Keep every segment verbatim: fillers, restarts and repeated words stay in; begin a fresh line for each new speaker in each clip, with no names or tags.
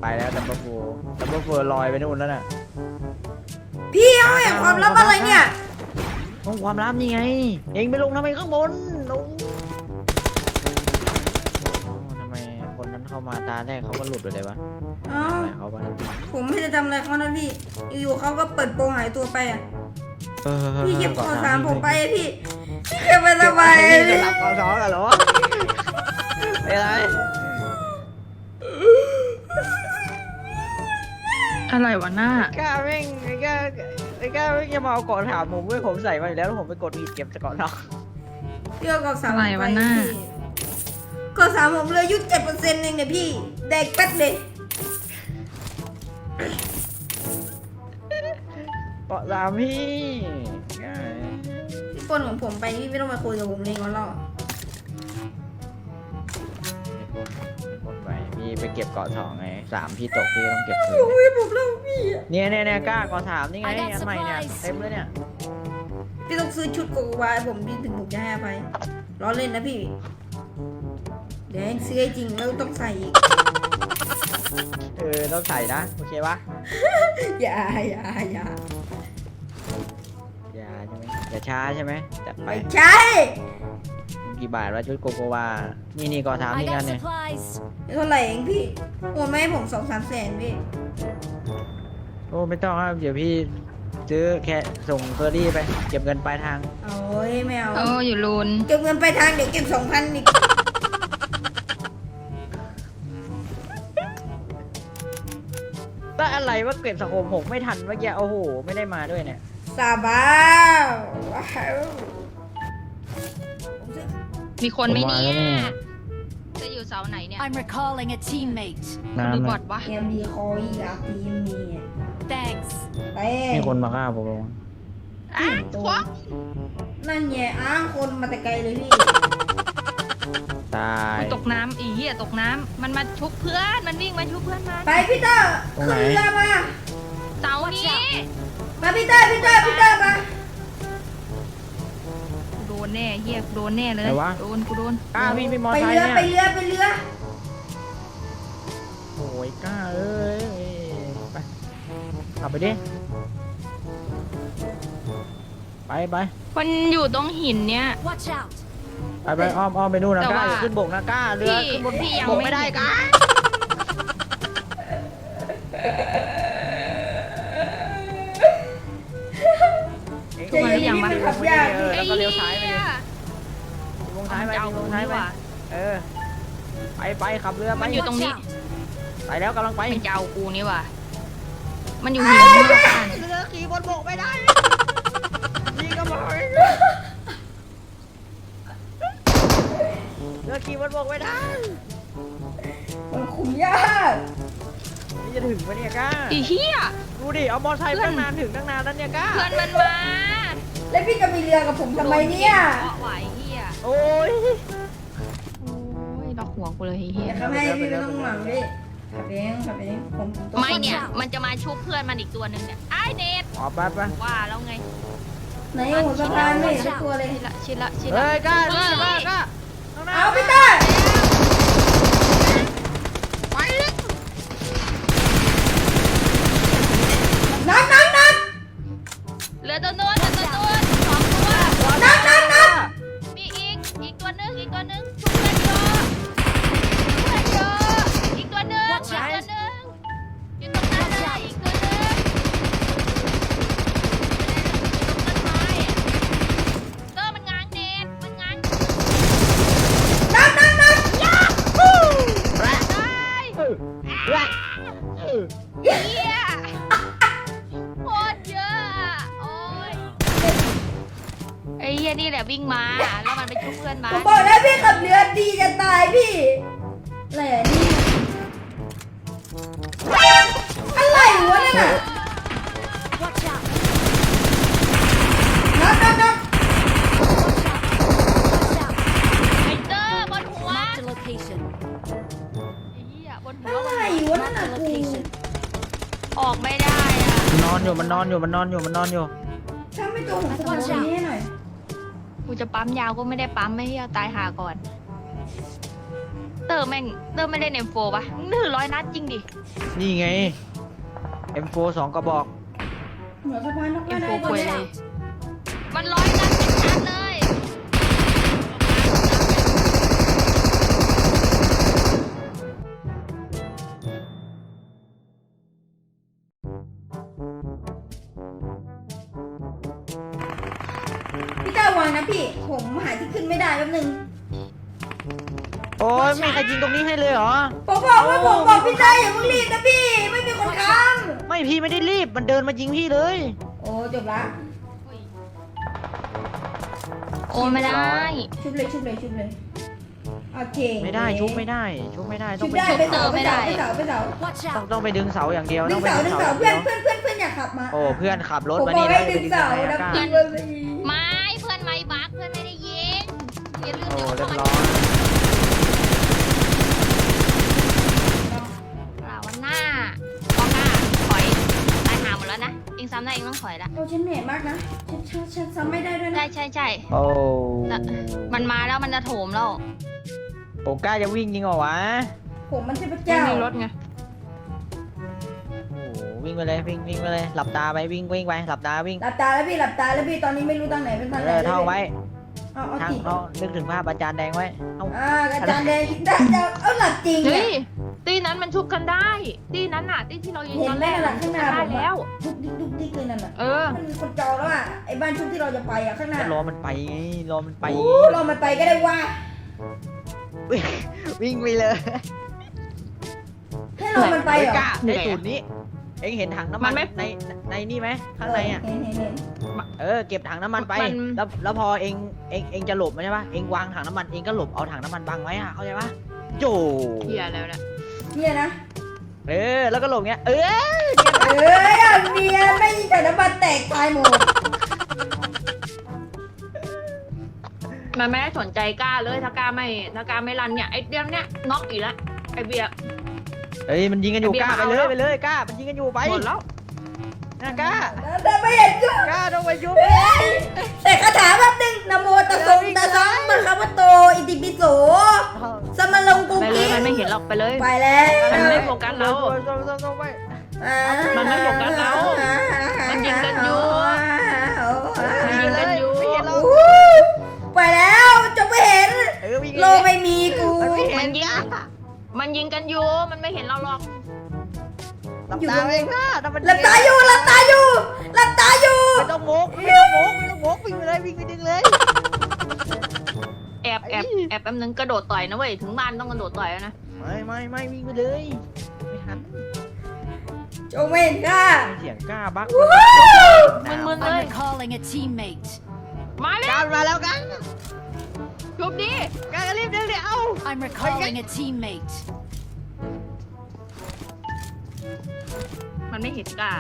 ไปแล้วดับเบิลโฟร์ดับเบิลโฟร์ลอยไปนู่นแล้วน่ะ
พี่เอาอย่างความลับอะไรเนี่ย
ห้องความลับนี่ไงเองไปลงทำไมข้างบนลงทำไมคนนั้นเข้ามาตาแรกเขาก็หลุดไปเลยวะ
อ๋อ
เขาไป
ผมไม่ได้ทำอะไรเขานะพี่อยู่ๆเขาก็เปิดโปงหายตัวไปอ่ะพี่เก็บข้อสามผมไปพี่พี่เก็บไปทำไม
จะรับข้อสองกันเหรออะไร
อะไรวะหน้าก
ล้าแม่งไอ้กล้าไอ้กล้าแม่งจะมาเอาเกาะถามผมเว้ยผมใส่มาอยู่แล้วแล้วผมไปกดผิดเก็บเกาะนอก
พี่เอาข้อสามไปข้อสามผมเลยยุดเจ็ดเปอร์เซ็นต์เองเนี่ยพี่แดกแป๊ดเลย
เกาะสามพี่
พี่ปนของผมไปพี่ไม่ต้องมาคุยกับผมเลยงั้นหรอก
ไปพี่ไปเก็บเกาะสองไงสามพี่ตกพี่ต้องเก็บคืน
โอ้ยผมเล่าพี่
เนี่ยเนี่ยเนี่ยกล้าเกาะสามนี่ไงอันใหม่เนี่ยเต็มเลยเนี่ย
พี่ต้องซื้อชุดโกโกวาผมพี่ถึงผมจะให้ไปล้อเล่นนะพี่เดี๋ยวซื้อให้จริงแล้วต้องใส่อีก
เออต้องใส่นะโอเคปะ
อย่าอย่าอย่า
อย่าใช่ไหมอย่าช้าใช่ไหมจัดไป
ไม่ใช่
กี่บาทวะชุดโกโกวานี่นี่เกาะสามนี่กันเนี่ย
เท่าไหร่เองพี่โอนมาให้ผมสองสามแสนพี่
โอ้ไม่ต้องครับเดี๋ยวพี่ซื้อแค่ส่งเคอรี่ไปเก็บเงินปลายทาง
โอ้ยไม่เอา
โอ้อยู่ลูน
เก็บเงินปลายทางเดี๋ยวเก็บสองพันอีก
ก็อะไรว่าเก็บสังคมหกไม่ทันเมื่อกี้โอ้โหไม่ได้มาด้วยเนี่ย
สาบาน
มีคนไหมเนี่ยจะอยู่เสาไหนเนี่ย
I'm recalling a teammate
ดูบอดวะ
เกมดีคอยอยากทีมนี้
thanks
มีคนมาฆ่าผม
อ้าวควัก
นั่นไงอ้างคนมาแต่ไกลเลยพี่
ตาย
ตกน้ำอีเหี้ยตกน้ำมันมาชุบเพื่อนมันวิ่งมาชุบเพื่อนมา
ไปพี่เตอร์ขึ้นเรือมา
เสานี้
มาพี่เตอร์พี่เตอร์พี่เตอร์มา
โดนแน่เหี้ยโดนแน่เลยโดนกูโดน
กล้าพี่ไปมอไซค์
เนี่ยไปเรือไปเรือ
โอ้ยกล้าเอ้ยไปขับไปดิไปไป
มันอยู่ตรงหินเนี้ย
ไปไปอ้อมอ้อมไปนู่นนะกล้าขึ้นบกนะกล้าเรือขึ้นบนบกไม่ได้กล้า
จะยังไม่ขับยาก
แล้วก็เลี้ยวซ้ายไปดิลงซ้ายไปลงซ้ายไปเออไปไปขับเรือไป
มันอยู่ตรงนี้
ไปแล้วกำลังไป
มันจะเอากูนี่ว่ะมันอยู่หินเ
รือขี่บนบกไม่ได้นี่ก็บอกเรือขี่บนบกไม่ได้
มันขุ่ยาก
นี่จะถึงปะเนี่ยก้า
อีเหี้ย
ดูดิเอามอเตอร์ไซค์ตั้งนานถึงตั้งนานแล้วเนี่ยก้า
เพื่อนมันมา
แล้วพี่จะมีเรือกับผมทำไมเนี่ย
ไหวเหี้ย
โอ้ย
โอ้ยดอกหัวกูเลยเหี้ย
ทำให้พี่ไม่ต้องหวังดิขับเองขับเองผม
ไม่เนี่ยมันจะมาชุบเพื่อนมันอีกตัวหนึ่งเนี่ยไอเนท
อ๋อไปไป
ว่าแล้วไง
ไหนหัวสะพานไม่เห็นตัวเลย
ชิละชิละชิละ
เฮ้ยก้าก้าก้า
เอาพี่ต้า
ไปเลย
นักนักนัก
เหลือตัวนู้นเหลือตัวนู้นสองตัว
นักนักนัก
มีอีกอีกตัวนึงอีกตัวนึงชุบเพื่อนเยอะเพื่อนเยอะอีกตัวนึงอีกตัวนึงอยู่ตรงนั้นเลยอีกตัวนึงเตอร์มันง้างเน็ตมันง้าง
นักนักนัก
ยาฮูได้เฮียโคตรเยอะโอ้ยไอ้เฮียนี่แหละวิ่งมาแล้วมันไปชุบเพื่อนมา
ผมบอกแล้วพี่ขับเรือดีจะตายพี่แหล่นี่อะไรวะเนี่ยน่ะนักนักนัก
ไอ้เตอร์บนหัวไอ้เฮียบนหัว
อะไรวะนั่นน่ะกู
ออกไม่ได้อะ
นอนอยู่มันนอนอยู่มันนอนอยู่มันนอนอยู่
ถ้าไม่ตัวผมตัวนี้หน่อย
กูจะปั๊มยาวก็ไม่ได้ปั๊มไม่ให้เอาตายหาก่อนเตตอร์แม่งเตอร์ไม่ได้เอ็มโฟป่ะมึงถือร้อยนัดจริงดิ
นี่ไง เอ็ม โฟร์ สองกระบอก
เหนือสะพานนก
เอ็
ก็
มโฟ
ได้
ควย
เล
เลย ยมันร้อยนัดเป็นนัดเลย
พี่ก้าวางนะพี่ ผมหาที่ขึ้นไม่ได้แป๊บนึง
โอ้ยไม่มีใครยิงตรงนี้ให้เลยเหรอ
ผมบอกว่าผมบอกพี่ได้อย่าเพิ่งรีบนะพี่ ไม่มีคนค้าง
ไม่พี่ไม่ได้รีบ มันเดินมายิงพี่เลย
โอ้จบละ
โอ้ไม่ได้
ชุบเลยชุบเลยชุบเลยโอเค
ไม่ได้ชุบไม่ได้ ชุบไม่ได้ต้
ชุ
อง
บ
ไป
ได้ไปเสาไปเสาไปเสาไปเสา
Watch
ต้อง
out!
ต้องไปดึงเสาอย่างเดียว
ดึ
ต้อง งไป
เสา
ดึ
ดึ
ง
ง
เสา
เสา
อย่าง
เพื่
เดี
อน
ยว
เพื่อนเพื่อนเพื่อนอยากขับมา
โอ้เพื่อนขับรถ
ผม
มา
บอ
นี่
ก
แล้
ให้
ว
ดึงเสานะ
กล้า
พี่ว่าสิ
ไม่เพื่อนไม่บักเพื่อนไม่ได้ยิงอย่าลืม
โอ้
นะ
เรียบ
ว่า
ร้อย
เราวันหน้าพอหน้าถอยตายหาหมดแล้วนะเองซ้ำได้เองต้องถอยละ
โอ้ฉันเหนื่อยมากนะฉันฉันฉันซ้ำไม่ได้ด้วย
ใช่
นะ
ใช่ใช่
โอ้
แต่มันมาแล้วมันจะโถมเรา
โอ้กล้าจะวิ่งยิงเหรอวะ
ผมมันเทพ
ไม่
เจ้า
มีรถไง
โอ้วิ่งไปเลยวิ่งวิ่งไปเลยหลับตาไปวิ่งวิ่งไปหลับตาวิ่ง
หลับตาแล้วพี่หลับตาแล้วพี่ตอนนี้ไม่รู้ทางไหนเป็นทางไห
เอน อท่องไว้
เอาเอา
ทาง
จิต
เขานึกถึงภาพอาจารย์แดงไว้เอา
อ่าอาจารย์แดงได้จะเอาหลับจริง
เฮ้
เนี่ย
ยตีนั้นมันชุบกันได้ ตีนั้นน่ะ ตีที่เรายิง
เห็
ต
น
อน
ไหม
แรก
นั่นแหละข้างหน้า
ได้
ผม
แล้ว
ดุกดิกดุกดิกเลยนั่นน่ะ
เออ
มันมีคนจองแล้วอ่ะไอ้บ้านชุดที่เราจะไปอ่ะข้างหน้า
ก็รอมันไปไงรอมันไป
โอ้เรามันไปก็ได้ว่า
วิ่งวิ่งไปเลย
ให้เรามันไปเหรอก
ล้าในจุดนี้ เอ็งเห็นถังน้ำมันในในนี่ไหมข้างในอ่ะ
เห็นเห็นเห็น
เออเก็บถังน้ำมันไป
มัน
แล้วแล้วพอเอ็งเอ็งเอ็งจะหลบใช่ปะเอ็งวางถังน้ำมันเอ็งก็หลบเอาถังน้ำมันบังไว้อ่ะเข้าใจปะโจ
เฮียแล้วนะ
เนี่ยนะ
เออแล้วก็หลบเงี้ยเออ
เอ้ยอ่ะเนียนไม่ยิงแต่น้ำมันแตกตายหมด
มันไม่ได้สนใจกล้าเลยถ้ากล้าไม่ถ้ากล้าไม่รันเนี่ยไอเดียมเนี่ยน็อกอีกแล้วไอเบียร์
เฮ้ยมันยิงกันอยู่
ไอ้เบี
ก
ยร์
ล้าไป
มา
เล
เอา
ย
แล้ว
ไปเลยกล้ามันยิงกันอยู่ไป
หมดแล้ว
นะกล้า
แต่ไม่เห็นจุ๊บ
กล้าต้องไปยุบ
แต่คาถาแป๊บนึงนะโมตัสสะตะสังมันคำว่าโตอิติปิโสสมมาลงกุ
ไปเล
กิ
ยมันไม่เห็นหรอกไปเลย
ไปแล้ว
มันไม่โฟกัสเรา
ต้องต้องต้องไป
อ่า
มันไม่โฟกัสเรามันยิงกันอยู่ มันยิงกันอยู่
ไม่เห็นหรอก
โอ้ยไปแล้วจะไม่เห็น
เออวิ่ง
โลไม่มีกู
มันไม่เห็
มัน นยิงมันยิงกันอยู่มันไม่เห็นเราหรอก
หลับตาเองนะถ้ามัน
หลับตาอยู่หลับตาอยู่หลับตาอยู่
ไม่ต้องโมกไม่ต้องโมกไม่ต้องโมกวิ่งไปเลยวิ่งไปดึงเลย
แอบแอบแอบแป๊บนึงกระโดดต่อยนะเว้ยถึงบ้านต้องกระโดดต่อยแล้วนะ
ไม่ไม่ไม่วิ่งไปเลยไม่ทัน
จงไม่เห็นค่ะ
เสียงกล้าบัก
มึนๆเลย
I'm recalling a teammate.
มาแล้
กล้าว มาแล้วกัน
ชุบดิ
กล้ารีบดึงเดี๋ยว
I'm recalling a teammate.
มันไม่เห็นกล้า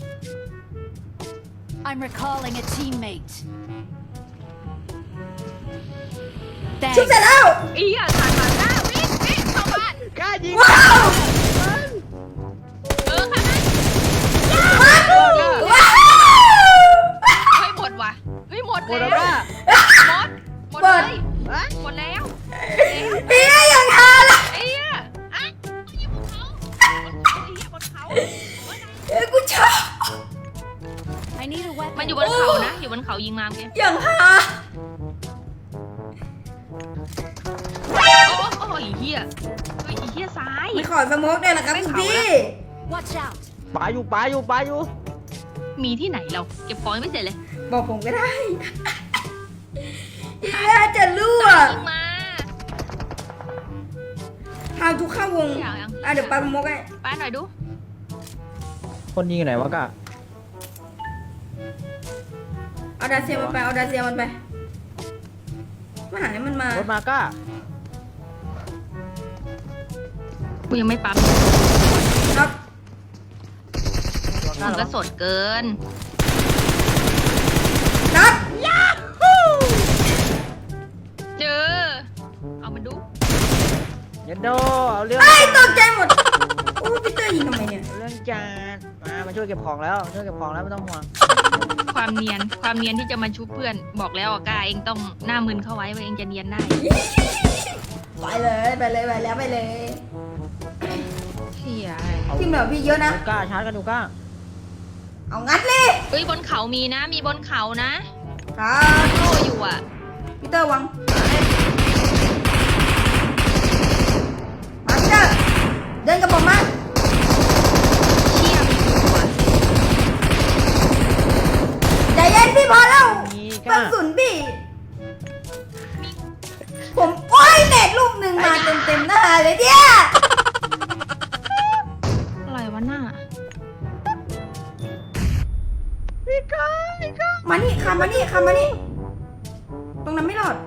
I'm recalling a teammate.
ชุบเสร็จ
Thanks.
แล้ว
อีอ่ะผ่านผ่านหน้าวิ่งวิ่งเข้าบ้าน
กล้ายิง
ว้าว
เออค่ะนะ
ว้าว
เฮ้ยหมดว่ะเฮ้ยหมด
หมด
แล้
แล้ว
ว
กล้า
หมดหมดเลย
ฮะ
หมดแล้ว
เฮียอย่างฮาละ
ไอ้เหี้ยอ่ะยิงบนเขาบนเขาไอ้เหี้ยบนเขา
เอ้ยกูชอบ
I need a
มันอยู่
weapon.
บนเขานะอยู่บนเขายิงมาเมื่อกี้
อย่างฮา
โอ้โหไอ้เหี้ยเฮ้ยไอ้เหี้ยซ้าย
ไม่ขอสโมกด้วยละครับคุณพี่
Watch out.
ปาอยู่ปาอยู่ปาอยู่
มีที่ไหนเราเก็บของยังไม่เสร็จเลย
บอกผมก็ได้เฮียจะรั่ว
ยิงมา
หาทุกเข้าวง
อยากยัง
อ่ะเดี๋ยวปาสโมกให้
ป้าหน่อยดู
คนยิงอยู่ไหนวะกล้า
เอาดาเซียมันไปเอาดาเซียมันไปมาหาให้มันมาร
ถมากล้า
กูยังไม่ปั๊ม
ครับ
มันก็สดเกิน
นัด
เจอ เอามาดู
เยนโดเอาเรื่อง
ไอ้ยตกใจหมดโอ้พี่เตอร์ยิงทำไมเนี่ย
เอาเรื่องจานมามาช่วยเก็บของแล้วมาช่วยเก็บของแล้วไม่ต้องห่วง
ความเนียน ความเนียนที่จะมาชุบเพื่อน บอกแล้วอ่ะกล้าเองต้องหน้ามึนเข้าไว้ว่าเองจะเนียนได้
ไปเลยไปเลยไปแล้วไปเลย
เฮีย
ทีมแบบพี่เยอะนะ
ดูกล้าชาร์จกันดูกล้า
เอางัดเลย
เฮ้ยบนเขามีนะ มีบนเขานะครับ โล่อยู่อ่ะ
พีเตอร์วังมาพีเตอร์เดินกับผมมา
เชี่ยมีอยู่อ่ะ
ใจเย็นพี่พอแล้ว
มี
ก
กล้า
ระสุนพี่ ผมโอ้ยเน็ตลูกหนึ่งมาเต็มเต็มๆหน้าเลยเนี่ย
อะไรวะหน้า
พี่กล้าพี่กล้า
มานี่คำมานี่คำมานี่ตรงนั้นไม่รอด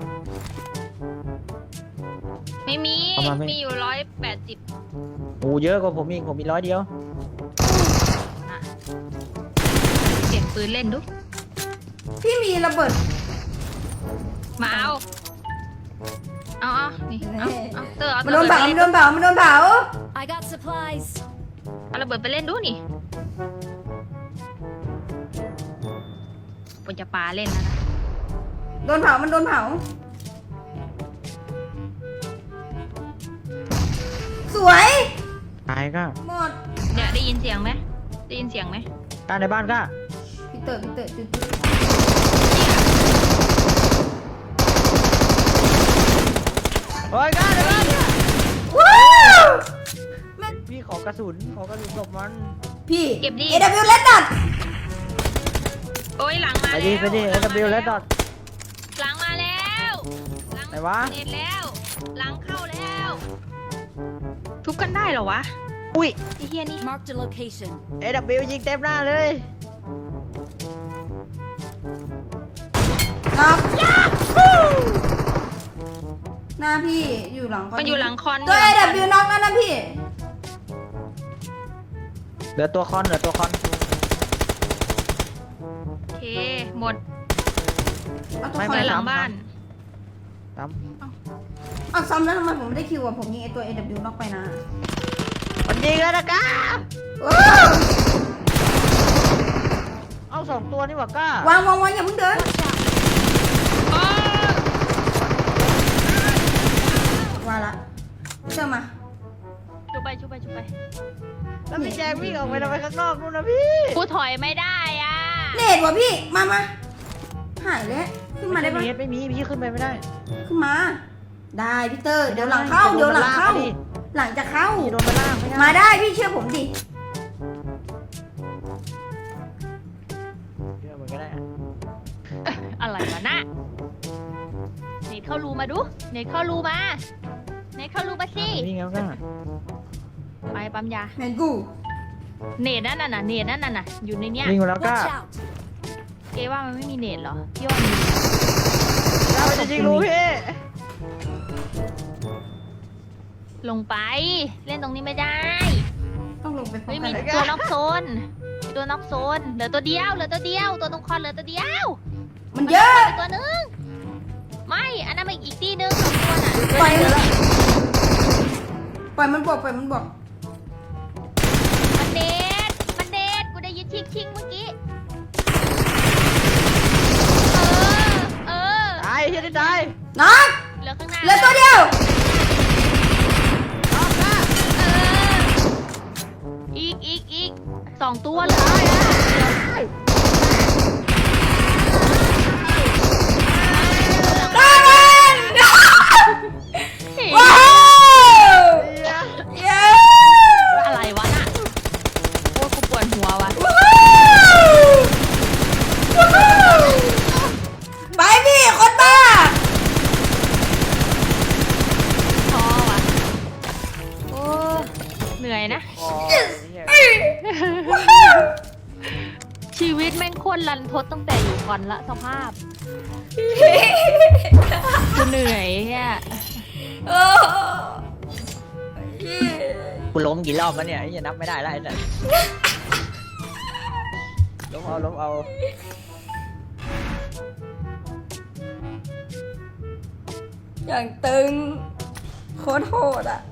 ไม่มี มีอยู่ร้อยแปดสิบ
โอ้เยอะกว่าผมอีกผมมีร้อยเดียว
เสียงปืนเล่นดู
พี่มีระเบิด
มาเอา เอาเอานี่เอาเอาเตอร์เอา
มันโด
ระ
น
เบิด
เผา
ไป
มัน
เล่น
โดนเผามันโดนเผา
I got supplies.
เอาระเบิดไปเล่นดูนี่ปนจะปาเล่นนะนะ
โดนเผามันโดนเผาสวย
ตายกล้า
หมด
เนี่ยได้ยินเสียงไหมได้ยินเสียงไหม
กล้าในบ้านกล้า
พี่เต๋อพี่เต๋อจุด
โอ้ยกล้าในบ้านเนี่ย
ว้าว
พี่ขอกระสุนขอกระสุนศพมัน
พี่
เก็บดิ
เอ ดับเบิลยู เล็ดดอท
โอ้ยหลังมา
ไป
แล้ว
ดิไปดิเอ
หลัง
ว
มา
แล้วดอท
หลังมาแล้วหลัง
ไหนวะ
เน็ตแล้ว หลังเข้าแล้ว ทุบกันได้เหรอวะ
อุ้ย
ไอ้เฮียนี่
Marked a location.
เอ ดับเบิลยู ยิงเต็มหน้าเลย
น็อกหน้าพี่อยู่หลัง
มันอยู่หลังคอน
ตัว
อยู่
เอ
หลั
ดั
ง
บ
ค
เบิ
อน
ลยูน็อกนั่นนะพี่
เหลือตัวคอนเหลือตัวคอน
โอเค หมด
เอาตัว
ไม่
ค
ไป
น
หลั
หลั
ง
ง
บ้าน
ตาม
เอาซ้ำแล้วทำไมผมไม่ได้คิวอ่ะผมยิงไอตัว เอ ดับเบิลยู น็อกไปนะ
มันยิงแล้วนะกล้า
ว้าว
เอาสองตัวนี่หว่ากล้าว
างวางวางอย่าเพิ่งเดิน
โอ้
วางละเชื่อมา
ชุบไปชุบไปชุบไป
แล้วพี่แจงวิ่งออกไปทำไมข้างนอกนู่นนะพี่
กูถอยไม่ได้อ่ะ
เนตวะพี่มามาหายแล้วขึ้นมาได้ปะ
ไม่มีไม่มีพี่ขึ้นไปไม่ได้
ขึ้นมา ได้พี่เตอร์เดี๋ยวหลังเข้าเดี๋ยวหลังเข้า
ดิ
หลังจะเข้า
พี่โดนไปล่างไม่ได้
มาได้พี่เชื่อผมดิ
เชื่อมันก็ได้
อะไรวะน่ะเนทเข้ารูมาดูเนทเข้ารูมาเนทเข้ารูมาสิ
วิ่งแล้วกล้า
ไปปั๊มยา
แมนกู
เนทนั่นน่ะนะเนทนั่นน่ะนะอยู่ในเนี้ย
วิ่งมาแล้วกล้า
Watch out.
เกว่ามันไม่มีเนทเหรอพี่ว่ามี
เราจะยิงรู้พี่
ลงไป เล่นตรงนี้ไม่ได้
ต้องลงไปพร้อ
ไม่
มกั
มี
น
ตัวนอกโซนมีตัวนอกโซนเหลือตัวเดียวเหลือตัวเดียวตัวตรงคอนเหลือตัวเดียว
มันเยอะ
ตัวนึงไม่อันนั้นมันอีกที่นึงสองตัวน่ะ
ปล่อยมันปล่อยมันบวกปล่อยมันบวก
มันเดทมันเดทกูได้ยินชิงชิงเมื่อกี้เออเออ
ตายเฮียได้ตาย
น็อก
เหลือข้างหน้า
เหลือตัวเดียว
น้องกล้า
เอออีกอีกอีกสองตัวเลย
ได้มันว้าว
เฮีย
เย้
อะไรวะน่ะโอ้ยกูปวดหัววะ
ว้าวว้าวไปพี่คนบ้า
ท้อวะโอ้เหนื่อยนะ
อ๋อเหี้ย
ชีวิตแม่งโคตรรันทดตั้งแต่อยู่ก่อนละสภาพกูเหนื่อยเนี่ย
โอ้
กูล้มกี่รอบแล้วเนี่ยไอ้เหี้ยนับไม่ได้แล้วไอ้เนี่ยล้มเอาล้มเอา
อย่างตึงโคตรโหดอ่ะ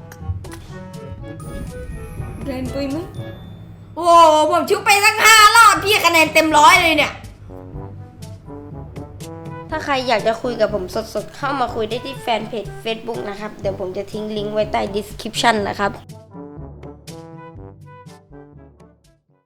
เดินปุยมั้ยโอ้ผมชุบไปตั้งห้ารอบพี่คะแนนเต็มร้อยเลยเนี่ยถ้าใครอยากจะคุยกับผมสดๆเข้ามาคุยได้ที่แฟนเพจ Facebook นะครับเดี๋ยวผมจะทิ้งลิงก์ไว้ใต้ description นะครับ